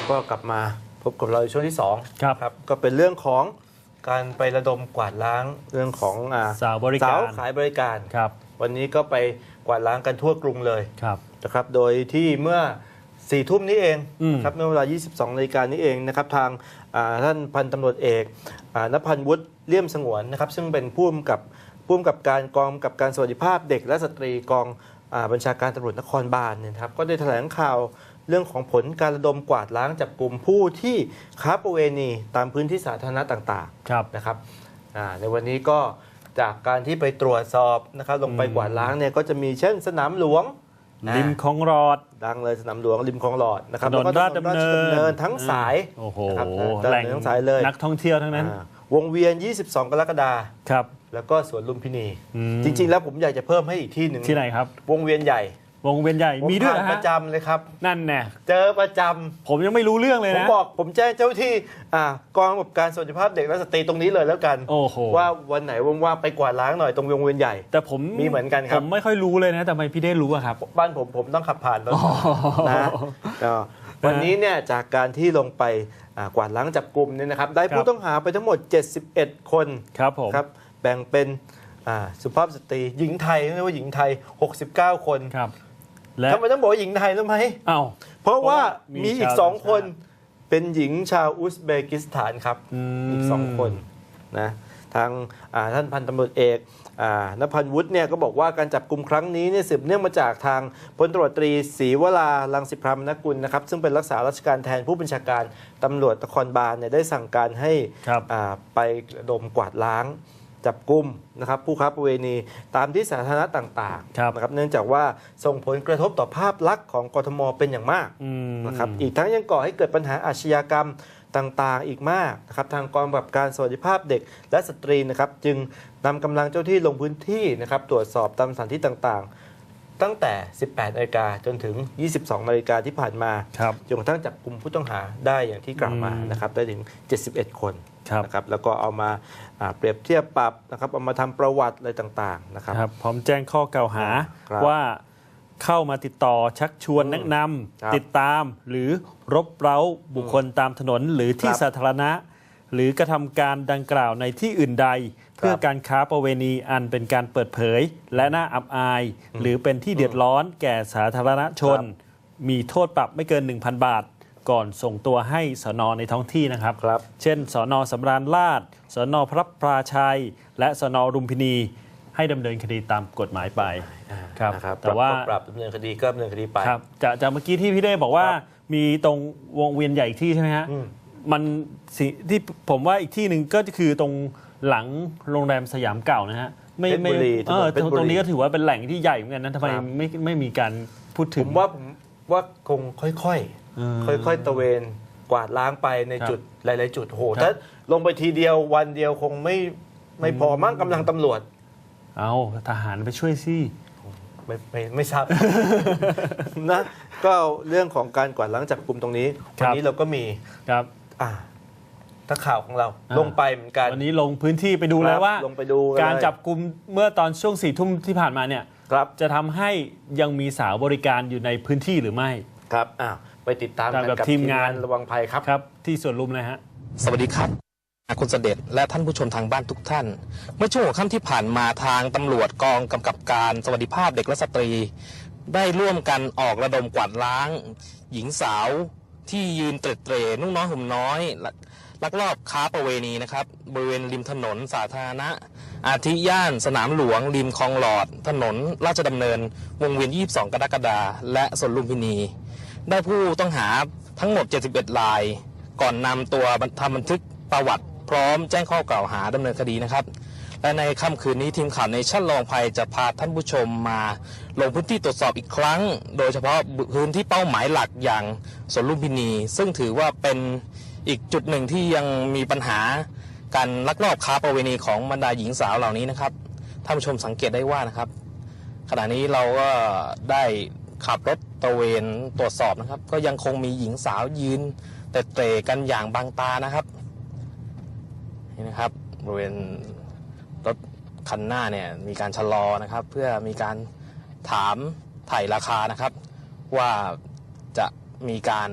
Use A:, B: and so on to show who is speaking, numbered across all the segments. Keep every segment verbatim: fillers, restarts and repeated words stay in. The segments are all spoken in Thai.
A: ก็กลับมาพบกับเราในช่วงที่สอง
B: ครับ
A: ครับก็เป็นเรื่องของการไประดมกวาดล้างเรื่องของอ่า
B: สาวบริการ
A: สาวขายบริการ
B: ครับ
A: วันนี้ก็ไปกวาดล้างกันทั่วกรุงเลย
B: ครับ
A: นะครับโดยที่เมื่อสี่ทุ่มนี้เอง
B: อืม
A: ครับเมื่อเวลา ยี่สิบสองนาฬิกานี้เองนะครับทางอ่าท่านพันตำรวจเอกอ่านภันวุฒิเลี่ยมสงวนนะครับซึ่งเป็นผู้กำกับผู้กำกับการกองกำกับการสวัสดิภาพเด็กและสตรีกองอ่าบัญชาการตำรวจนครบาลเนี่ยนะครับก็ได้แถลงข่าวเรื่องของผลการระดมกวาดล้างจับกลุ่มผู้ที่ค้าประเวณีตามพื้นที่สาธารณะต่าง
B: ครับ
A: ๆนะครับอ่าในวันนี้ก็จากการที่ไปตรวจสอบนะครับลงไปกวาดล้างเนี่ยก็จะมีเช่นสนามหลวง
B: ริมคลองหลอด
A: ดังเลยสนามหลวงริมคลองหลอดนะครับ
B: ถนน
A: แล้วก็
B: ราชดำเนิน
A: ถทั้งสาย
B: โอ้โห
A: นะครับ
B: แหล่ง
A: ทั้งสายเลย
B: นักท่องเที่ยวทั้งนั้น
A: อ่าวงเวียน ยี่สิบสอง กรกฎาคม
B: ครับ
A: แล้วก็สวนลุมพินี
B: อืม
A: จริง ๆ แล้วผมอยากจะเพิ่มให้อีกที่หนึ่ง
B: ที่ไหนครับ
A: วงเวียนใหญ่
B: วงเวียนใหญ่
A: ผม
B: มีด้วย
A: ผ่าน
B: นะ
A: ป
B: ฮะ
A: ระจำเลยครับ
B: นั่นแน่
A: เจอประจำ
B: ผมยังไม่รู้เรื่องเลย
A: ผม
B: นะ
A: บอกผมแจ้งเจ้าที่อ่ากองกำกับการสวัสดิภาพเด็กและสตรีตรงนี้เลยแล้วกัน
B: โอ้โห
A: ว่าวันไหนว่างๆไปกวาดล้างหน่อยตรงวงเวียนใหญ่
B: แต่ผม
A: มีเหมือนกันครับ
B: ผมไม่ค่อยรู้เลยนะแต่ทำไมพี่ได้รู้อะครับ
A: บ้านผมผมต้องขับผ่านรถ
B: อ๋อ
A: นะก็วันนี้เนี่ยจากการที่ลงไปอ่ากวาดล้างจับกลุ่มเนี่ยนะครับได้
B: ครับ
A: ผู้ต้องหาไปทั้งหมด เจ็ดสิบเอ็ด คน
B: ครับผม
A: ครับแบ่งเป็นอ่าสุภาพสตรีหญิงไทยเรียกว่าหญิงไทย หกสิบเก้า คน
B: ครับ และ
A: ทำไมต้องบอกว่าหญิงไทยรู้ไหม
B: อ้าว
A: เพราะว่า
B: เพราะว่ามี
A: มีอีก
B: ชาว
A: สอง
B: ต่างชาติ
A: คนเป็นหญิงชาวอุซเบกิสถานครับ
B: อืม
A: อีกสองคนนะทางอ่าท่านพันตำรวจเอกอ่านภันวุฒิเนี่ยก็บอกว่าการจับกลุ่มครั้งนี้เนี่ยสืบเนื่องมาจากทางพลตำรวจตรีศรีวรารังสิพรามนกุลนะครับซึ่งเป็นรักษาราชการแทนผู้บัญชาการตำรวจนครบาลเนี่ยได้สั่งการให้
B: ครับ
A: อ่าไประดมกวาดล้างจับกลุ่มนะครับผู้ค้าประเวณีตามที่สาธารณะต่าง
B: ครับ
A: ๆนะครับเนื่องจากว่าส่งผลกระทบต่อภาพลักษณ์ของกทมเป็นอย่างมาก
B: อืม
A: นะครับอีกทั้งยังก่อให้เกิดปัญหาอาชญากรรมต่างๆ อีกมากนะครับทางกองกำกับการสวัสดิภาพเด็กและสตรีนะครับจึงนำกำลังเจ้าที่ลงพื้นที่นะครับตรวจสอบตามสถานที่ต่างๆ ตั้งแต่ สิบแปดนาฬิกาจนถึง ยี่สิบสองนาฬิกาที่ผ่านมา
B: ครับ
A: จนกระทั่งจับกลุ่มผู้ต้องหาได้อย่างที่กล่าวมา
B: อืม
A: นะครับได้ถึง เจ็ดสิบเอ็ด คน
B: ครับ
A: นะครับแล้วก็เอามาอ่าเปรียบเทียบปรับนะครับเอามาทำประวัติอะไรต่างๆนะครับ
B: ครับพร้อมแจ้งข้อกล่าวหา
A: ครับ
B: ว่าเข้ามาติดต่อชักชวน
A: อืม
B: แนะน
A: ครับ
B: ำติดตามหรือรบเร้าบุคคลตามถนนหรือที่
A: ครับ
B: สาธารณะ หรือกระทำการดังกล่าวในที่อื่นใด เพื่อการค้าประเวณีอันเป็นการเปิดเผย และน่าอับอาย หรือเป็นที่เดือดร้อนแก่สาธารณชน
A: ครับ
B: มีโทษปรับไม่เกิน หนึ่งพัน บาท ก่อนส่งตัวให้สนในท้องที่นะครับ
A: ครับ
B: เช่น สนสำราญราษฎร์สนพระพราชัย และสนรุมพินี ให้ดำเนินคดีตามกฎหมายไป ครับ
A: นะครับ
B: แต่ว่า
A: ปรับดำเนินคดีก็ดำเนินคดีไป
B: ครับจากจากเมื่อกี้ที่พี่เด้บอกว่า
A: ครับ
B: มีตรงวงเวียนใหญ่อีกที่ใช่ไหมฮะ
A: อืม
B: มันสิที่ผมว่าอีกที่หนึ่งก็คือตรงหลังโรงแรมสยามเก่านะฮะไม่
A: เพชร
B: ไม่
A: บุรี
B: เออ
A: ถนนเพชรบุรี
B: ตรงนี้ก็ถือว่าเป็นแหล่งที่ใหญ่เหมือนกันนะทำไม
A: ครับ
B: ไม่ไม่มีการพูดถึ
A: ผ
B: ง
A: มว่าผมว่าคงค่อย
B: อืม
A: ๆ ค่อยๆ ตระเวนกวาดล้างไปใน
B: ครับ
A: จุดหลายๆ จุดโห
B: ครับ
A: ถ้าลงไปทีเดียววันเดียวคงไม่ไม่พอมั่งกำลังตำรวจ
B: เอาทหารไปช่วยสิ
A: ไม่ไม่ไม่ทราบ นะก็เรื่องของการกวาดล้างจับกลุ่มตรงนี้
B: ครั
A: วั
B: บ
A: นี้เราก็มี
B: ครับ
A: อ่าทักข่าวของเรา
B: อ่า
A: ลงไปเหมือนกัน
B: วันนี้ลงพื้นที่ไปดูแล้วว่า
A: ลงไปดูเลย
B: การจับกลุ่มเมื่อตอนช่วงสี่ทุ่มที่ผ่านมาเนี่ย
A: ครับ
B: จะทำให้ยังมีสาวบริการอยู่ในพื้นที่หรือไม่
A: ครับอ้าวไปติดตามกัน
B: ตามกับ
A: กับ
B: ที
A: ที
B: ม
A: ม
B: งาง
A: าน นระวังภัยครับ
B: ครับ ที่สวนลุมนะฮะ
C: สวัสดีครับคุณเสด็จและท่านผู้ชมทางบ้านทุกท่าน เมื่อช่วงหัวค่ำที่ผ่านมาทางตำรวจกองกำกับการสวัสดิภาพเด็กและสตรี ได้ร่วมกันออกระดมกวาดล้าง หญิงสาวที่ยืนเตร็ดเตร่นุ่งน้อยห่มน้อยลักลักลอบค้าประเวณีนะครับบริเวณริมถนนสาธารณะ อาทิย่านสนามหลวง ริมคลองหลอด ถนนราชดำเนิน วงเวียน ยี่สิบสอง กรกฎาคมและสวนลุมพินี ได้ผู้ต้องหาทั้งหมด เจ็ดสิบเอ็ด ราย ก่อนนำตัวทำบันทึกประวัติพร้อมแจ้งข้อกล่าวหาดำเนินคดีนะครับ และในค่ำคืนนี้ทีมข่าวในชั่นลองภัยจะพาท่านผู้ชมมาลงพื้นที่ตรวจสอบอีกครั้ง โดยเฉพาะพื้นที่เป้าหมายหลักอย่างสวนลุมพินี ซึ่งถือว่าเป็นอีกจุดหนึ่งที่ยังมีปัญหาการลักลอบค้าประเวณีของบรรดาหญิงสาวเหล่านี้นะครับท่านผู้ชมสังเกตได้ว่านะครับ ขณะนี้เราก็ได้ขับรถตระเวนตรวจสอบนะครับ ก็ยังคงมีหญิงสาวยืนแต่เตะกันอย่างบางตานะครับนี่นะครับบริเวณรถคันหน้าเนี่ยมีการชะลอนะครับ เพื่อมีการถามไถ่ราคานะครับ ว่าจะมีการ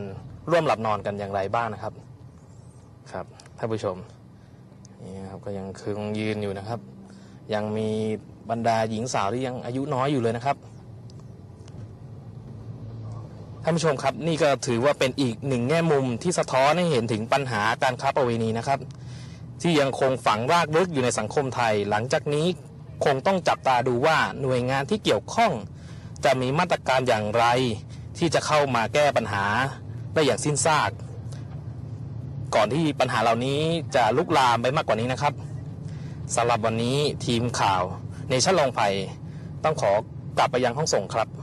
C: ร่วมหลับนอนกันอย่างไรบ้างนะครับครับท่านผู้ชมนี่ครับก็ยังคงยืนอยู่นะครับ ยังมีบรรดาหญิงสาวที่ยังอายุน้อยอยู่เลยนะครับท่านผู้ชมครับนี่ก็ถือว่าเป็นอีกหนึ่งแง่มุมที่สะท้อนให้เห็นถึงปัญหาการค้าประเวณีนะครับที่ยังคงฝังรากลึกอยู่ในสังคมไทยหลังจากนี้คงต้องจับตาดูว่าหน่วยงานที่เกี่ยวข้องจะมีมาตรการอย่างไรที่จะเข้ามาแก้ปัญหาได้อย่างสิ้นซากก่อนที่ปัญหาเหล่านี้จะลุกลามไปมากกว่านี้นะครับสำหรับวันนี้ทีมข่าวเนชั่นลงภัยต้องขอกลับไปยังห้องส่งครับ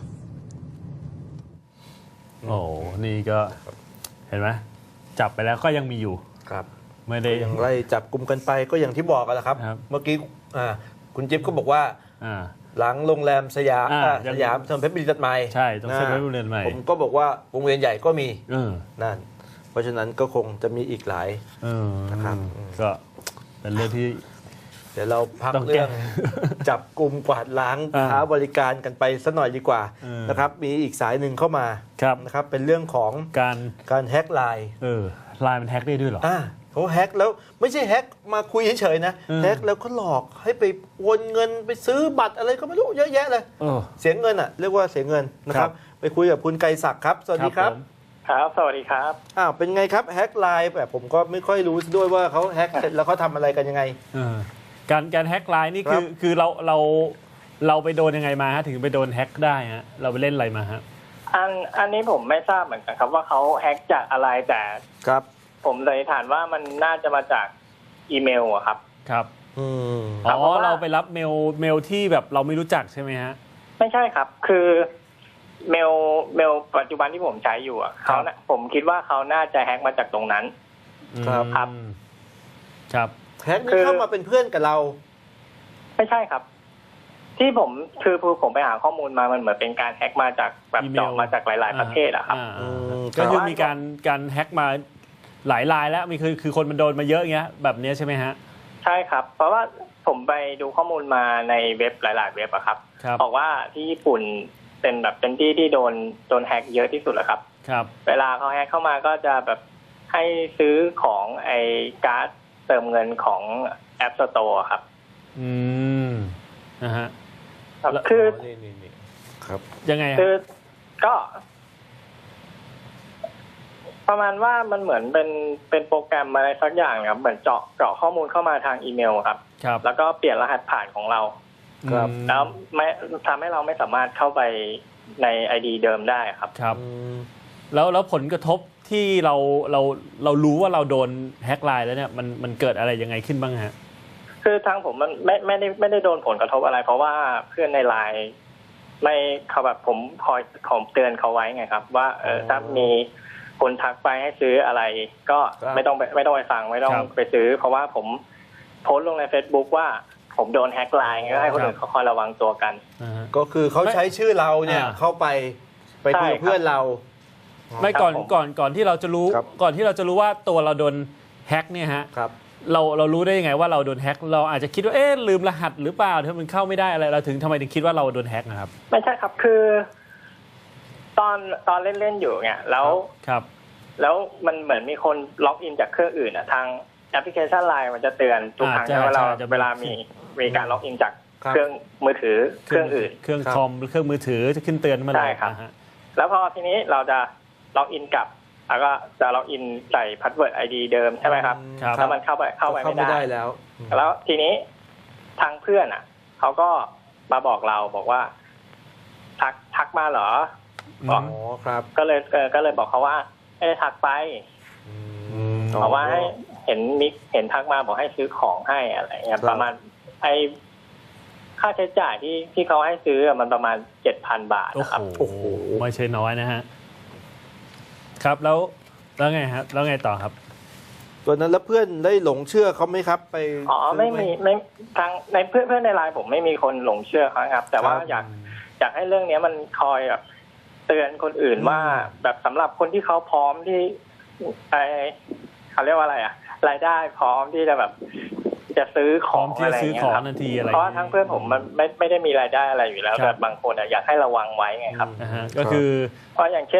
B: โอ้นี่ก็เห็นไหมจับไปแล้วก็ยังมีอยู่
A: ครับ
B: ไม่ได้
A: ยังไล่จับกลุ่มกันไปก็อย่างที่บอกกันแหละครับ
B: ครับ
A: เมื่อกี้อ่าคุณจิ๊บก็บอกว่า
B: อ่า
A: หลังโรงแรมสยาม
B: อ่า
A: อ่า
B: ยัง
A: สยามถนนเพชรบุรีตัดใหม่
B: ใช่ต้องเซ็นไว้โรงเรียนใหม่
A: ผมก็บอกว่าวงเวียนใหญ่ก็มี
B: เออ
A: นั่นเพราะฉะนั้นก็คงจะมีอีกหลาย
B: เออ
A: นะครับ
B: ก็เป็นเรื่องที่
A: เดี๋ยวเราพัก
B: ต้องแก้
A: เรื่อง จับกลุ่มกวาดล้าง
B: อ่า
A: ค้าบริการกันไปสักหน่อยดีกว่า
B: เออ
A: นะครับมีอีกสายหนึ่งเข้ามา
B: ครับ
A: นะครับเป็นเรื่องของ
B: การ
A: การแฮ็กไลน์
B: เออไลน์มันแฮ็กได้ด้วยเหรอ
A: อ่าเขาแฮ็กแล้วไม่ใช่แฮ็กมาคุยเฉยๆนะ
B: อืม
A: แฮ็กแล้วก็หลอกให้ไปโอนเงินไปซื้อบัตรอะไรก็ไม่รู้เยอะแยะเลย
B: เออ
A: เสียเงินอ่ะเรียกว่าเสียเงินนะค
B: ครั
A: รับบ ไปคุยกับคุณไกรศักดิ์ครับสวัสดีครับ
B: ผม
D: ครับ สวัสดีครับ
A: อ้าวเป็นไงครับแฮ็กไลน์แบบผมก็ไม่ค่อยรู้ด้วยว่าเขาแฮ็กเสร็จแล้วเขาทำอะไรกันยังไง
B: เออการการแฮ็กไลน์นี่คือ
A: ครับ
B: คือเราเราเราไปโดนยังไงมาฮะถึงไปโดนแฮ็กได้ฮะเราไปเล่นอะไรมาฮะ
D: อันอันนี้ผมไม่ทราบเหมือนกันครับว่าเขาแฮ็กจากอะไรแต่
A: ครับ
D: ผมเลยฐานว่ามันน่าจะมาจากอีเมลอะครับ
B: ครับ
A: อืม
D: ครั
B: อ๋
D: บ
B: อ
D: เพราะว่า
B: เราไปรับเมลเมลที่แบบเราไม่รู้จักใช่ไหมฮะ
D: ไม่ใช่ครับ คือเมลเมลปัจจุบันที่ผมใช้อยู่อะเขาน่ะผมคิดว่าเขาน่าจะแฮ็กมาจากตรงนั้น
A: ครับ
D: ครับ
B: อืมครับ
A: แฮ็ก
D: คื
A: นี่
D: อ
A: เข้ามาเป็นเพื่อนกับเรา
D: ไม่ใช่ครับ ที่ผมคือคือผมไปหาข้อมูลมามันเหมือนเป็นการแฮ็กมาจากแบบ
B: อีเมล
D: เจาะมาจากหลาย ๆ ประเทศอะครับ
B: อ่า
A: อืม
B: ก็คือ
D: แต่ว่ามี
B: มีการการแฮ็กมาหลายรายแล้วมีคือคือคนมันโดนมาเยอะอย่างเงี้ยแบบเนี้ยใช่ไหมฮะ
D: ใช่ครับ เพราะว่าผมไปดูข้อมูลมาในเว็บหลาย ๆ เว็บอะครับ
B: ครับ
D: บอกว่าที่ญี่ปุ่นเป็นแบบเป็นที่ที่โดนโดนแฮ็กเยอะที่สุดแหละครับ
B: ครับ
D: เวลาเขาแฮ็กเข้ามาก็จะแบบให้ซื้อของไอ้การ์ดเติมเงินของแอปสโตร์ครับ
B: อืมนะฮะ
D: ครับ
B: แล้ว
D: คือ
A: นี่นี่นี่ครับ
B: ยังไงฮะ
D: คือก็ ประมาณว่ามันเหมือนเป็นเป็นโปรแกรมอะไรสักอย่างครับเหมือนเจาะเจาะข้อมูลเข้ามาทางอีเมลครับ
B: ครับ
D: แล้วก็เปลี่ยนรหัสผ่านของเรา
A: ครับ
B: อืม
D: แล้วไม่ทำให้เราไม่สามารถเข้าไปใน ไอ ดี เดิมได้ครับ
B: ครับ
A: อืม
B: แล้วแล้วผลกระทบที่เราเราเรารู้ว่าเราโดนแฮ็กไลน์แล้วเนี่ยมันมันเกิดอะไรยังไงขึ้นบ้างฮะ
D: คือทางผมมันไม่ไม่ได้ไม่ได้โดนผลกระทบอะไร เพราะว่าเพื่อนในไลน์ไม่เขาแบบผมคอยผมเตือนเขาไว้ไงครับ ว่าเออถ้ามีคนทักไปให้ซื้ออะไร ก็
A: ครับ
D: ไม่ต้องไปไม่ต้องไปฟังไม่ต้อง
B: ครับ
D: ไปซื้อ เพราะว่าผมโพสต์ลงใน Facebook ว่าผมโดนแฮ็กไลน์ก็ให้คนอื่นเขาคอยระวังตัวกัน
B: อ่าฮะ
A: ก็คือเขาใช้ชื่อเราเนี่ย
B: อ่า
A: เข้าไปไปคุยกับ
D: ใช่ครับ
A: เพื่อนเรา
B: ไม่ก่อน
D: ครับผม
B: ก่อนก่อนที่เราจะรู้
A: ครับ
B: ก่อนที่เราจะรู้ว่าตัวเราโดนแฮ็กเนี่ยฮะ
A: ครับ
B: เราเรารู้ได้ยังไงว่าเราโดนแฮ็กเราอาจจะคิดว่าเอ๊ะลืมรหัสหรือเปล่าที่มันเข้าไม่ได้อะไรเราถึงทำไมถึงคิดว่าเราโดนแฮ็กนะครับ
D: ไม่ใช่ครับคือ ตอนตอนเล่นๆอยู่เนี่ยแล้ว
B: ครับ
D: แล้วมันเหมือนมีคนล็อกอินจากเครื่องอื่นอ่ะทางแอปพลิเคชันไลน์มันจะเตือนทุกครั้ง
B: อ่าใช่
D: เวลา
B: ใช่จะมี
D: เวลามีมีการล็อกอินจาก
A: ครับ
D: เครื่องมือถือเครื่องอื่น
B: เครื่อง
A: ครับ
B: คอมเครื่องมือถือจะขึ้นเตือนมาเลย
D: ใช่ครับ
B: นะฮะ
D: แล้วพอทีนี้เราจะล็อกอินกลับแล้วก็จะล็อกอินใส่พาสเวิร์ดไอดีเดิมใช่ไหมครับ
B: ครับ
D: แล้วมันเข้าไปเข้าไป
A: เข้า
D: ไม่
A: ไม่
D: ได้
A: ได้แล้ว
D: แล้วทีนี้ทางเพื่อนอ่ะเขาก็มาบอกเราบอกว่า ทักทักมาเหรอ
B: อืม
D: อ๋อ
A: อ๋อครับ
D: ก็เลยเออก็เลยบอกเขาว่าไม่ได้ทักไป
A: อื
B: ม
D: เพราะว่าให้เห็นมิกเห็นทักมาบอกให้ซื้อของให้อะไรเงี้ยประมาณไอค่าใช้จ่ายที่ที่เขาให้ซื้ออะมันประมาณเจ็ดพันบาท
B: โอ้
D: นะครับ
B: โหไม่ใช่น้อยนะฮะครับแล้วแล้วไงครับแล้วไงต่อครับ
A: ตัวนั้นแล้วเพื่อนได้หลงเชื่อเขาไหมครับ ไป
D: อ๋อไม่มีไม่ทางในเพื่อนเพื่อนในไลน์ผมไม่มีคนหลงเชื่อเขาครับ แต่ว่าอยากอยากให้เรื่องนี้มันคอยแบบเตือนคนอื่นว่าแบบสำหรับคนที่เขาพร้อมที่ไอเขาเรียกว่าอะไรอะรายได้พร้อมที่จะแบบจะซื้อข
B: พร้อ
D: อ
B: ม
D: ง
B: ที่
D: อะไร
B: จะซื้อ
D: เงี้
B: ข
D: ย
B: อง
D: ครับ
B: ทันทีอะไร
D: เพราะว่าทั้งเพื่อนผมมันไม่ไม่ได้มีรายได้อะไรอยู่แล้ว
B: ครับ
D: แต่บางคนอะอยากให้ระวังไว้ไงครับ
B: นะฮะก็คือ
D: เพราะอย่างเช่นแบบ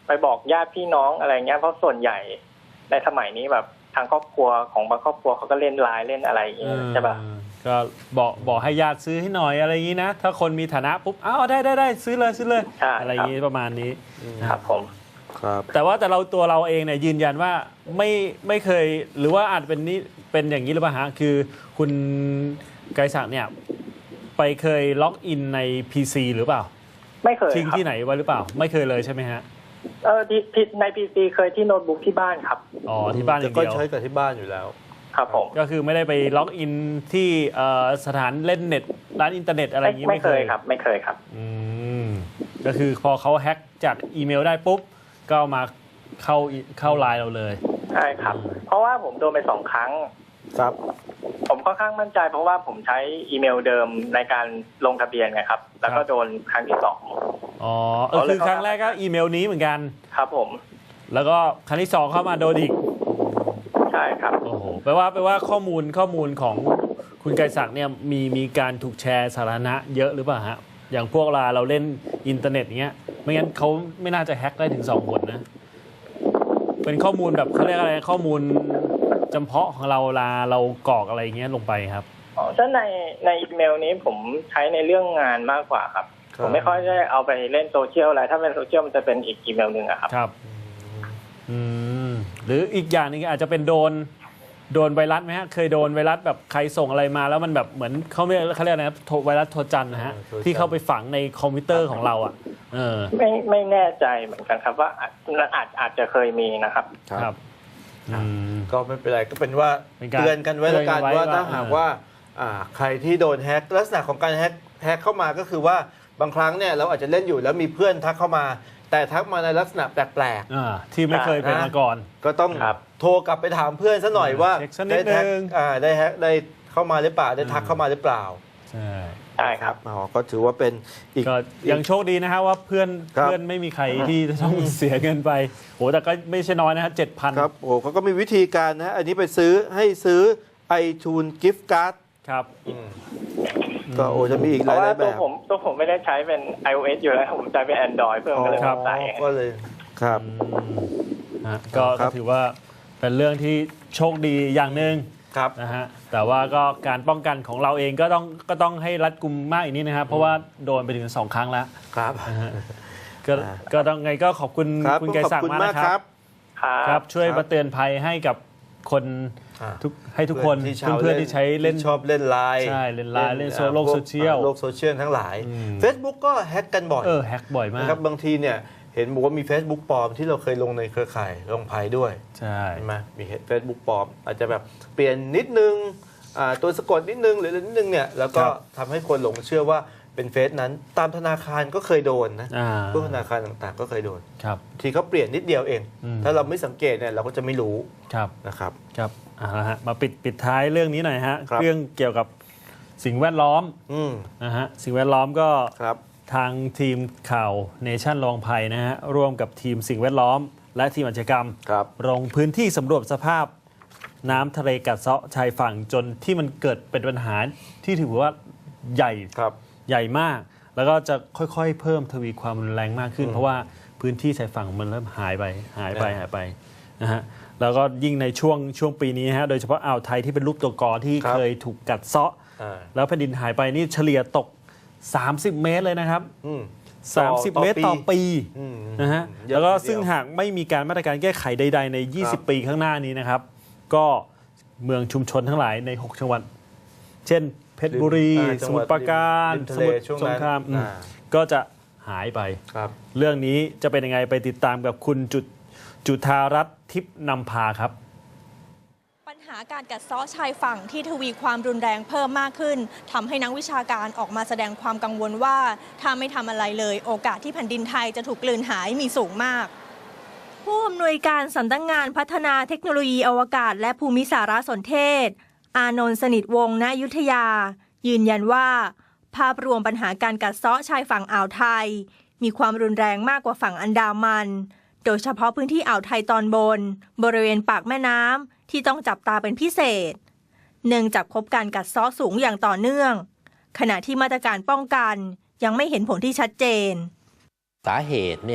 D: ไปบอกญาติพี่น้องอะไรเงี้ยเพราะส่วนใหญ่ในสมัยนี้แบบทางครอบครัวของบางครอบครัวเขาก็เล่นไลน์เล่นอะไรอย่างเงี้ยใช่ป่ะ
B: ก็บอกบอกให้ญาติซื้อให้หน่อยอะไรอย่างนี้นะถ้าคนมีฐานะปุ๊บอ้าวได้ได้ได้ซื้อเลยซื้อเลยอะไรอย่างนี้ประมาณนี้
D: ครับผม
A: ครับ
B: แต่ว่าแต่เราตัวเราเองเนี่ยยืนยันว่าไม่ไม่เคยหรือว่าอาจเป็นนี้เป็นอย่างนี้หรือเปล่าฮะคือคุณไกรศักดิ์เนี่ยไปเคยล็อกอินใน พี ซี หรือเปล่า
D: ไม่เคย
B: ทิ้งที่ไหนไว้หรือเปล่าไม่เคยเลยใช่ไหมฮะ
D: เออที่ใน พี ซี เคยที่โน้ตบุ๊กที่บ้านครับ
B: อ๋อที่บ้านอย่างเดียว
A: ก็ใช้กับที่บ้านอยู่แล้ว
D: ครับผม
B: ก็คือไม่ได้ไปล็อกอินที่สถานเล่นเน็ตร้านอินเทอร์เน็ตอะไรอย่างนี้
D: ไม่เคยครับไม่เคยครับ
B: อืมก็คือพอเขาแฮ็กจากอีเมลได้ปุ๊บก็มาเข้าเข้าไลน์เราเลย
D: ใช่ครับเพราะว่าผมโดนไปสองครั้ง
A: ครับ
D: ผมค่อนข้างมั่นใจเพราะว่าผมใช้อีเมลเดิมในการลงทะเบียนไงครับแล้วก็โดนครั้งที่สอง
B: อ๋อเออคือครั้งแรกก็อีเมลนี้เหมือนกัน
D: ครับผม
B: แล้วก็ครั้งที่สองเข้ามาโดนอีก
D: ใช่ครับ
B: โอ้โหแปลว่าแปลว่าข้อมูลข้อมูลของคุณไกรศักดิ์เนี่ยมีมีการถูกแชร์สาธารณะเยอะหรือเปล่าฮะอย่างพวกเราเราเล่นอินเทอร์เน็ตเงี้ยไม่งั้นเขาไม่น่าจะแฮ็กได้ถึงสองคนนะเป็นข้อมูลแบบเขาเรียกอะไรข้อมูลจำเพาะของเราลาเรากรอกอะไรเงี้ยลงไปครับ
D: อ๋อถ้าในในอีเมลนี้ผมใช้ในเรื่องงานมากกว่าครับผมไม่ค่อยได้เอาไปเล่นโซเชียลอะไรถ้าเป็นโซเชียลมันจะเป็นอีกอีเมลหนึ่งอะครับ
B: ครับอืมหรืออีกอย่างนึงอาจจะเป็นโดนโดนไวรัสไหมฮะเคยโดนไวรัสแบบใครส่งอะไรมาแล้วมันแบบเหมือนเขาไม่เขาเรียกอะไรนะไวรัสโทรจันทร์นะฮะที่เข้าไปฝังในคอมพิวเตอร์ของเราอ่ะเออ
D: ไม่ไม่แน่ใจเหมือนกันครับว่าอาจอาจอาจจะเคยมีนะครับ
B: ครับ
A: ก็ไม่เป็นไรก็เป็นว่าเตือนกันไว้แล้วกันว่าถ้าหากว่าใครที่โดนแฮกลักษณะของการแฮกแฮกเข้ามาก็คือว่าบางครั้งเนี่ยเราอาจจะเล่นอยู่แล้วมีเพื่อนทักเข้ามาแต่ทักมาในลักษณะแปลก
B: ๆที่ไม่เคยเป็นมาก่อน
A: ก็ต้องโทรกลับไปถามเพื่อนซะหน่อยว่าได้แฮกได้แฮกได้เข้ามาหรือเปล่าได้ทักเข้ามาหรือเปล่า
B: ใช่
D: ใช่ครับ
A: อ๋อก็ถือว่าเป็นอีก
B: ยังโชคดีนะฮะว่าเพื่อนเพื่อนไม่มีใครที่ต้องเสียเงินไปโหแต่ก็ไม่ใช่น้อยนะฮะเจ็ดพัน
A: ครับโอ้เขาก็มีวิธีการนะอันนี้ไปซื้อให้ซื้อ iTunes Gift Card
B: ครับ
A: ก็โอ้จะมีอีกหลายแบบ
D: ตัวผมตัวผมไม่ได้ใช้เป็น iOS อยู่แล้วผมใช้เป็น Android เพื่อนก็เลยใส่
A: ก็เลยครับ
B: ก็ถือว่าเป็นเรื่องที่โชคดีอย่างหนึ่งนะฮะแต่ว่าก็การป้องกันของเราเองก็ต้องก็ต้องให้รัดกุมมากอีกนิดนะครับเพราะว่าโดนไปถึงสองครั้งแล้ว
A: ครับ
B: ก็ก็ต้องไงก็ขอบคุณคุณไกรศักดิ์มากนะครับครับช่วยมาเตือนภัยให้กับคนทุกให้ทุกคนเพื่อนๆที่ใช้เล่น
A: ชอบเล่นไลน์
B: ใช่เล่นไลน์เล่นโลกโซเชียล
A: โลกโซเชียลทั้งหลาย Facebook ก็แฮกกันบ่อย
B: เออแฮกบ่อยมาก
A: ครับบางทีเนี่ยเห็นบอกว่ามี Facebook ปลอมที่เราเคยลงในเครือข่ายลงภัยด้วย
B: ใช่
A: ไหมมี Facebook ปลอมอาจจะแบบเปลี่ยนนิดนึงตัวสะกดนิดนึงหรือนิดนึงเนี่ยแล้วก็ทำให้คนหลงเชื่อว่าเป็นเฟซนั้นตามธนาคารก็เคยโดนนะพวกธนาคารต่างๆก็เคยโดนทีเขาเปลี่ยนนิดเดียวเองถ้าเราไม่สังเกตเนี่ยเราก็จะไม่รู้นะครับ
B: ครับอ่าฮะมาปิดปิดท้ายเรื่องนี้หน่อยฮะเรื่องเกี่ยวกับสิ่งแวดล้อมนะฮะสิ่งแวดล้อมก็ทางทีมข่าวเนชั่นลองภัยนะฮะร่วมกับทีมสิ่งแวดล้อมและทีมอาชญากรรมลงพื้นที่สำรวจสภาพน้ำทะเลกัดเซาะชายฝั่งจนที่มันเกิดเป็นปัญหาที่ถือว่าใหญ่ใหญ่มากแล้วก็จะค่อยๆเพิ่มทวีความรุนแรงมากขึ้นเพราะว่าพื้นที่ชายฝั่งมันเริ่มหายไปหายไปหายไปนะฮะแล้วก็ยิ่งในช่วงช่วงปีนี้ฮะโดยเฉพาะอ่าวไทยที่เป็นรูปตัวกอที่เคยถูกกัดเซาะแล้วแผ่นดินหายไปนี่เฉลี่ยตกสามสิบเมตรเลยนะครับสามสิบเมตรต่อปีนะฮะแล้วก็ซึ่งหากไม่มีการมาตรการแก้ไขใดๆในยี่สิบปีข้างหน้านี้นะครับก็เมืองชุมชนทั้งหลายในหกจังหวัดเช่นเพชรบุรีสมุทรปราการสมุทรสงครามก็จะหายไปเรื่องนี้จะเป็นยังไงไปติดตามกับคุณจุจุธารัตน์ทิพย์นำพาครับ
E: ปัญหาการกัดเซาะชายฝั่งที่ทวีความรุนแรงเพิ่มมากขึ้นทำให้นักวิชาการออกมาแสดงความกังวลว่าถ้าไม่ทำอะไรเลยโอกาสที่แผ่นดินไทยจะถูกกลืนหายมีสูงมากผู้อำนวยการสำนักงานพัฒนาเทคโนโลยีอวกาศและภูมิสารสนเทศอานนท์สนิทวงศ์ณอยุธยายืนยันว่าภาพรวมปัญหาการกัดเซาะชายฝั่งอ่าวไทยมีความรุนแรงมากกว่าฝั่งอันดามันโดยเฉพาะพื้นที่อ่าวไทยตอนบนบริเวณปากแม่น้ำที่ต้องจับตาเป็นพิเศษเนื่องจากพบการกัดเซาะสูงอย่างต่อเนื่องขณะที่มาตรการป้องกันยังไม่เห็นผลที่ชัดเจน
F: สาเหตุเนี่ย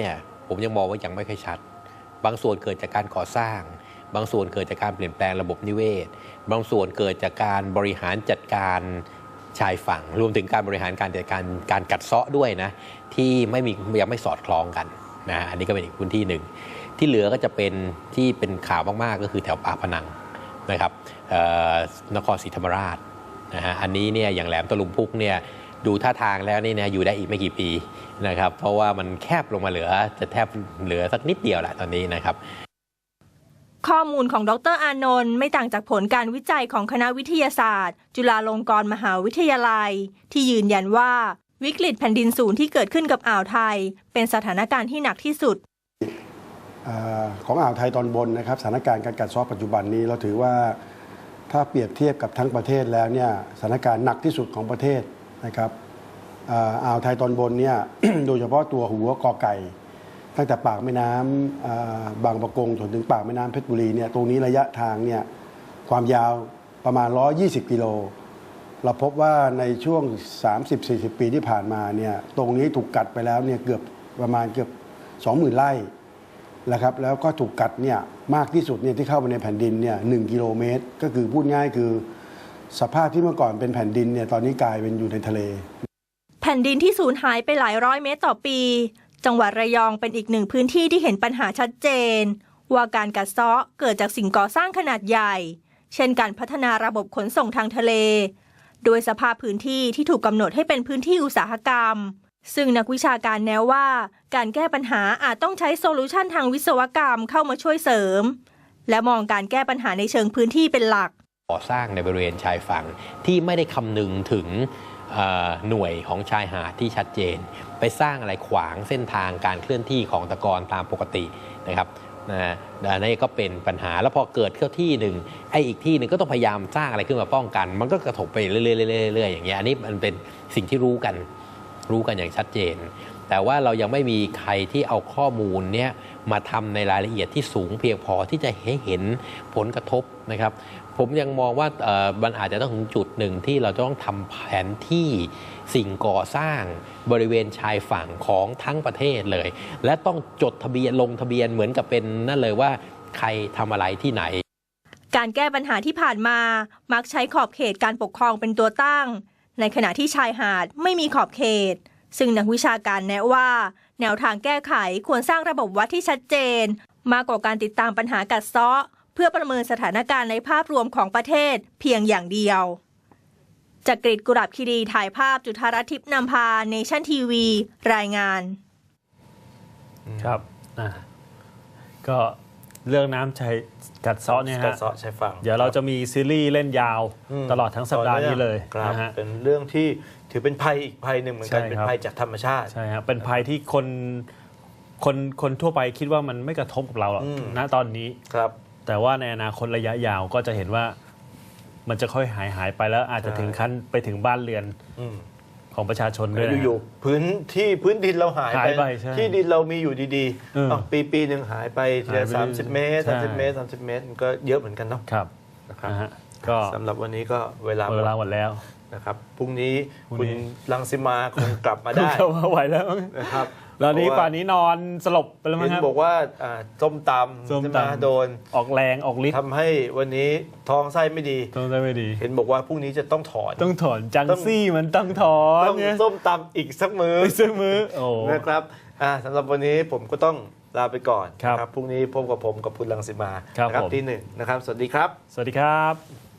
F: ผมยังมองว่ายังไม่ค่อยชัดบางส่วนเกิดจากการก่อสร้างบางส่วนเกิดจากการเปลี่ยนแปลงระบบนิเวศบางส่วนเกิดจากการบริหารจัดการชายฝั่งรวมถึงการบริหารการจัดการการกัดเซาะด้วยนะที่ไม่มียังไม่สอดคล้องกันนะอันนี้ก็เป็นอีกพื้นที่หนึ่งที่เหลือก็จะเป็นที่เป็นข่าวมากๆก็คือแถวปากพนังนะครับนครศรีธรรมราชนะฮะอันนี้เนี่ยอย่างแหลมตะลุมพุกเนี่ยดูท่าทางแล้วนี่นะอยู่ได้อีกไม่กี่ปีนะครับเพราะว่ามันแคบลงมาเหลือจะแทบเหลือสักนิดเดียวแหละตอนนี้นะครับ
E: ข้อมูลของดรอานนท์ไม่ต่างจากผลการวิจัยของคณะวิทยาศาสตร์จุฬาลงกรณ์มหาวิทยาลัยที่ยืนยันว่าวิกฤตแผ่นดินสูงที่เกิดขึ้นกับอ่าวไทยเป็นสถานการณ์ที่หนักที่สุด
G: ของอ่าวไทยตอนบนนะครับสถานการณ์การกัดเซาะปัจจุบันนี้เราถือว่าถ้าเปรียบเทียบกับทั้งประเทศแล้วเนี่ยสถานการณ์หนักที่สุดของประเทศนะครับอ่าวไทยตอนบนเนี่ย โดยเฉพาะตัวหัวกอไก่ตั้งแต่ปากแม่น้ำบางปะกงจนถึงปากแม่น้ำเพชรบุรีเนี่ยตรงนี้ระยะทางเนี่ยความยาวประมาณหนึ่งร้อยยี่สิบกิโลเราพบว่าในช่วง สามสิบถึงสี่สิบ ปีที่ผ่านมาเนี่ยตรงนี้ถูกกัดไปแล้วเนี่ยเกือบประมาณเกือบ สองหมื่น ไร่นะครับแล้วก็ถูกกัดเนี่ยมากที่สุดเนี่ยที่เข้าไปในแผ่นดินเนี่ยหนึ่งกิโลเมตรก็คือพูดง่ายคือสภาพที่เมื่อก่อนเป็นแผ่นดินเนี่ยตอนนี้กลายเป็นอยู่ในทะเล
E: แผ่นดินที่สูญหายไปหลายร้อยเมตรต่อปีจังหวัดระยองเป็นอีกหนึ่งพื้นที่ที่เห็นปัญหาชัดเจนว่าการกัดเซาะเกิดจากสิ่งก่อสร้างขนาดใหญ่เช่นการพัฒนาระบบขนส่งทางทะเลโดยสภาพพื้นที่ที่ถูกกำหนดให้เป็นพื้นที่อุตสาหกรรมซึ่งนักวิชาการแนะว่าการแก้ปัญหาอาจต้องใช้โซลูชันทางวิศวกรรมเข้ามาช่วยเสริมและมองการแก้ปัญหาในเชิงพื้นที่เป็นหลัก
F: ก่อสร้างในบริเวณชายฝั่งที่ไม่ได้คำนึงถึงหน่วยของชายหาดที่ชัดเจนไปสร้างอะไรขวางเส้นทางการเคลื่อนที่ของตะกอนตามปกตินะครับนะนี่ก็เป็นปัญหาแล้วพอเกิดเข้าที่หนึ่งไอ้อีกที่หนึ่งก็ต้องพยายามสร้างอะไรขึ้นมาป้องกันมันก็กระทบไปเรื่อยๆอย่างเงี้ยอันนี้มันเป็นสิ่งที่รู้กันรู้กันอย่างชัดเจนแต่ว่าเรายังไม่มีใครที่เอาข้อมูลเนี้ยมาทำในรายละเอียดที่สูงเพียงพอที่จะให้เห็นผลกระทบนะครับผมยังมองว่ามันอาจจะต้องถึงจุดหนึ่งที่เราต้องทำแผนที่สิ่งก่อสร้างบริเวณชายฝั่งของทั้งประเทศเลยและต้องจดทะเบียนลงทะเบียนเหมือนกับเป็นนั่นเลยว่าใครทำอะไรที่ไหน
E: การแก้ปัญหาที่ผ่านมามักใช้ขอบเขตการปกครองเป็นตัวตั้งในขณะที่ชายหาดไม่มีขอบเขตซึ่งนักวิชาการแนะว่าแนวทางแก้ไขควรสร้างระบบวัดที่ชัดเจนมากกว่าการติดตามปัญหากัดเซาะเพื่อประเมินสถานการณ์ในภาพรวมของประเทศเพียงอย่างเดียวจากกรีฑกุหลาบคีรีถ่ายภาพจุฑารัตน์ทิพย์นำพาเนชั่นทีวีรายงาน
B: ครับอ่ะก็เรื่องน้ำชายกัดเซาะเนี่ยฮะ
A: กัดเซาะชายฝั่ง
B: เดี๋ยวเราจะมีซีรีส์เล่นยาวตลอดทั้งสัปดาห์นี้เลย
A: นะฮะเป็นเรื่องที่ถือเป็นภัยอีกภัยหนึ่งเหมือนกันเป็นภัยจากธรรมชาติ
B: ใช่ครับเป็นภัยที่คนคนคนทั่วไปคิดว่ามันไม่กระทบกับเราหรอกณตอนนี้
A: ครับ
B: แต่ว่าในอนาคตระยะยาวก็จะเห็นว่ามันจะค่อยหายหายไปแล้วอาจจะถึงขั้นไปถึงบ้านเรือนของประชาชนด้วย
A: อยู่ๆพื้นที่พื้นดินเราหายไปที่ดินเรามีอยู่ดีๆปีปีหนึ่งหายไปทีละสามสิบเมตรสามสิบเมตรสามสิบเมตรก็เยอะเหมือนกันเนาะ
B: ครับ
A: นะครับก็สำหรับวันนี้ก็เวลา
B: เวลาหมดแล้ว
A: นะครับพรุ่งนี้คุณรังสิมาคงกลับมาได้
B: เข้ามาไหวแล้ว
A: นะครับ
B: แล้วนี้ป่านนี้นอนสลบไปแล้วมั้ง
A: ครับบอกว่าส้มตำส้มตำโดน
B: ออกแรงออกฤทธิ์
A: ทำให้วันนี้ท้องไส้ไม่ดี
B: ท้องไส้ไม่ดี
A: เห็นบอกว่าพรุ่งนี้จะต้องถอน
B: ต้องถอนจังซี่มันต้องถอน
A: ต้องส้มตำอีกสักมือ
B: อีกสักมือโอ้
A: นะครับสำหรับวันนี้ผมก็ต้องลาไปก่อนครับพรุ่งนี้พบกับผมกับคุณรังสิมา
B: ครับ
A: ที่หนึ่งนะครับสวัสดีครับ
B: สวัสดีครับ